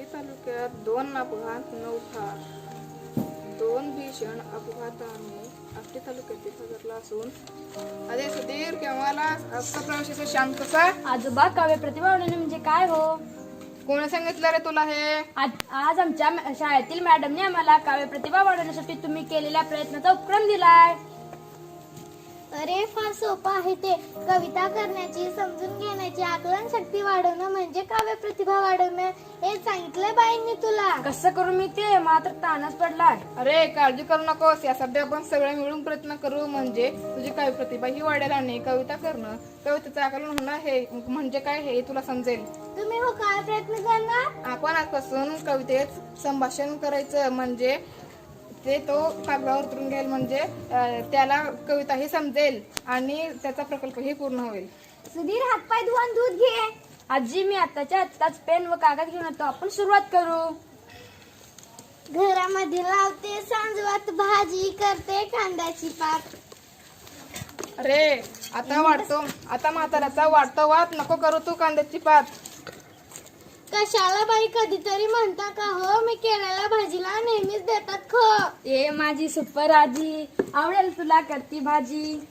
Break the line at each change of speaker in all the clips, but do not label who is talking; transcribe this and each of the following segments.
तालुक्यात 2 अपघात 9 ठार. 2 भीषण अपघाताने आष्टी तालुक्यातील हजरला असून अरे सुधीर केव्हाला असं प्रवाशाचा शांत कसा.
आजोबा काव्य प्रतिभा म्हणजे काय हो?
कोणी सांगितलं रे तुला हे?
आज आमच्या शाळेतील मॅडमने आम्हाला काव्य प्रतिभा वाढवण्यासाठी तुम्ही केलेल्या प्रयत्नाचा उपक्रम दिलाय.
अरे फार सोपं आहे ते. कविता करण्याची, समजून घेण्याची आकलन शक्ती वाढवणं म्हणजे काव्य प्रतिभा वाढवणं. हे सांगितलंय बाईंनी तुला.
कसं करू मी ते? मात्र ताणच पडलाय.
अरे काळजी करू नकोस, यासाठी आपण सगळे मिळून प्रयत्न करू म्हणजे तुझी काव्य प्रतिभा ही वाढेल आणि कविता करणं, कवितेचं आकलन होणं हे म्हणजे काय हे तुला समजेल.
तुम्ही हो काय प्रयत्न करणार?
आपण आजपासून कवितेत संभाषण करायचं म्हणजे ते तो कागदावर उतरून घेईल म्हणजे त्याला कविता ही समजेल आणि त्याचा प्रकल्पही पूर्ण होईल.
सुधीर हातपाय धुवून दूध घे.
आजी मी आताच्या आत्ताच पेन व कागद घेऊन येतो. आपण सुरुवात करू.
घरामध्ये लावते सांजवात भाजी, करते कांद्याची पात.
अरे आता म्हाताऱ्याचा वाढतो वाद नको करू तू कांद्याची पात.
कशाला बाई कधीतरी म्हणता का हो? मी केलेल्या भाजीला नेहमीच देतात खो.
ए माझी सुपर आजी, आवडेल तुला करती भाजी.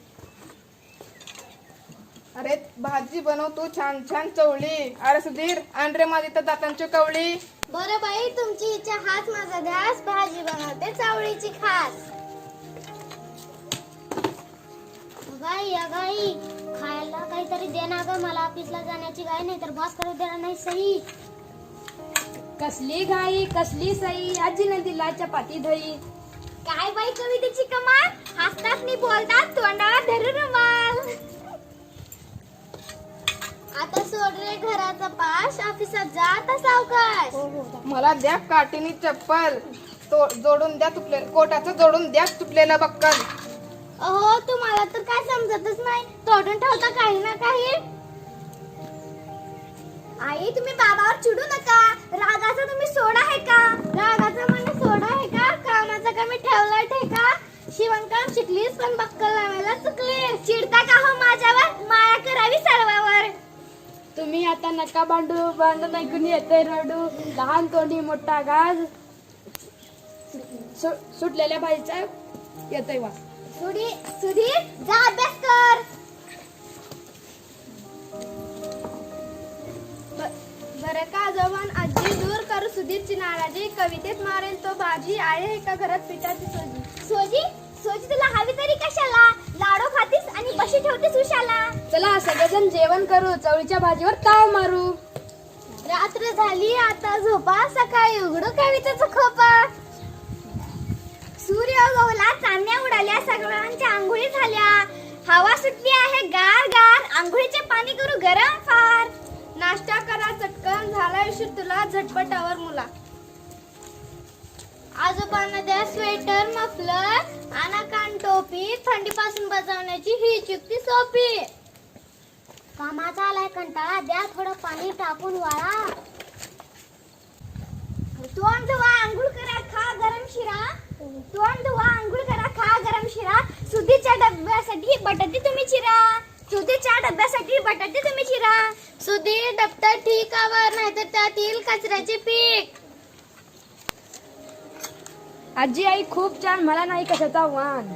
अरे भाजी बनव तू छान छान चवळी. अरे सुधीर आण रे माझी तर दातांची कवळी.
बरं बाई तुमची इच्छा हाच माझा ध्यास. भाजी बनवते चवळीची खास. गाई गाई खायला काहीतरी दे ना ग. मला ऑफिसला जाण्याची गाय नाही तर बॉस करू देणार नाही सही.
कसली घाई कसली सई, आजीने दिला चपाती दही.
काय बाई कवितेची कमाल. हसतात नि बोलतात तोंडावर धरून रुमाल. आता सोड रे घराचा पाश, ऑफिसात जा आता सावकाश.
मला द्या काठीनी चप्पल, जोडून द्या कोटाचं जोडून द्या तुटलेलं बक्कल.
अहो तुम्हाला तर काय समजतच नाही. तोडून ठेवता काही ना काही. आई तुम्ही बाबावर चिडू नका. रागाचा तुम्ही सोडा आहे का? रागाचा मला सोडा आहे का? कामाचा कमी ठेवला ठेका. शिवणकाम शिकलीस पण बक्कल लावायला चुकलीस. चिडता का हो माझ्यावर? माया करावी सर्वावर.
तुम्ही आता नका भांडण ऐकून येते रडू. लहान तोंडी मोठा गाज, सुटलेल्या भाजीचा येतोय वास.
सुधीर जा अभ्यास कर. बरं का आजोबान आजी दूर करू सुधीरची नाराजी. कवितेत मारेल तो बाजी. आहे एका घरात पिठाची सोजी. सोजी तुला हवी तरी कशाला? लाडू खातीस आणि बशी ठेवतीस उशाला.
चला सगळेजण जेवण करू. चवळीच्या भाजीवर ताव मारू.
रात्र झाली आता झोपा. सकाळी उघडू कवितेचा खोपा. सूर्य उगवला, चांदण्या उडाल्या, सगळ्यांच्या आंघोळी झाल्या. हवा सुटली आहे गार गार. आंघोळीचे पाणी करू गरम फार. नाश्ता करा चटकन, झाला उशीर तुला झटपटावर मुला. आजोबांना द्या स्वेटर मफलर, आणा कान टोपी. थंडीपासून बचावण्याची ही युक्ती सोपी. कामाचा आलाय कंटाळा, द्या थोडं पाणी टाकून वाळा. तोंड धुवा आंघोळ करा खा गरम शिरा. तोंड धुवा आंघोळ करा खा गरम शिरा. सुधीच्या डब्यासाठी बटाटे तुम्ही चिरा. सुधीच्या डब्यासाठी बटाटे तुम्ही चिरा. सुधीर दप्तर ठीक आवर नाहीतर त्यातील कचऱ्याचे पीक.
आजी आई खूप छान, मला नाही कशाचा वाण.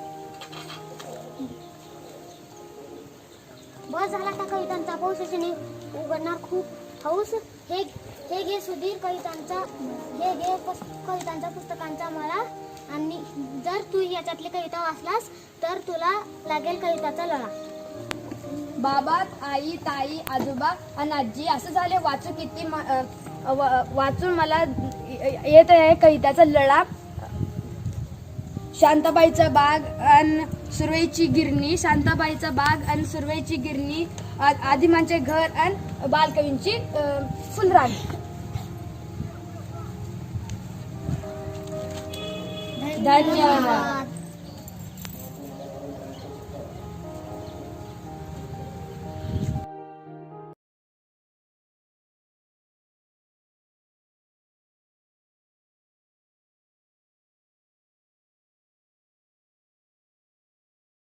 बस झाला का कवितांचा पाऊस उघडणार खूप हौस. हे घे सुधीर कवितांचा पुस्तकांचा मला. आणि जर तू याच्यातली कविता वाचलास तर तुला लागेल कविताचा लळा.
बाबा आई ताई आजोबा आणि आजी असं झाले वाचून मला येत आहे कविताचा लळा. शांताबाईचा बाग अन सुरवेची गिरणी. शांताबाईचा बाग अन सुरवेची गिरणी. आदिमांचे घर अन बालकवींची फुलराणी. धन्यवाद.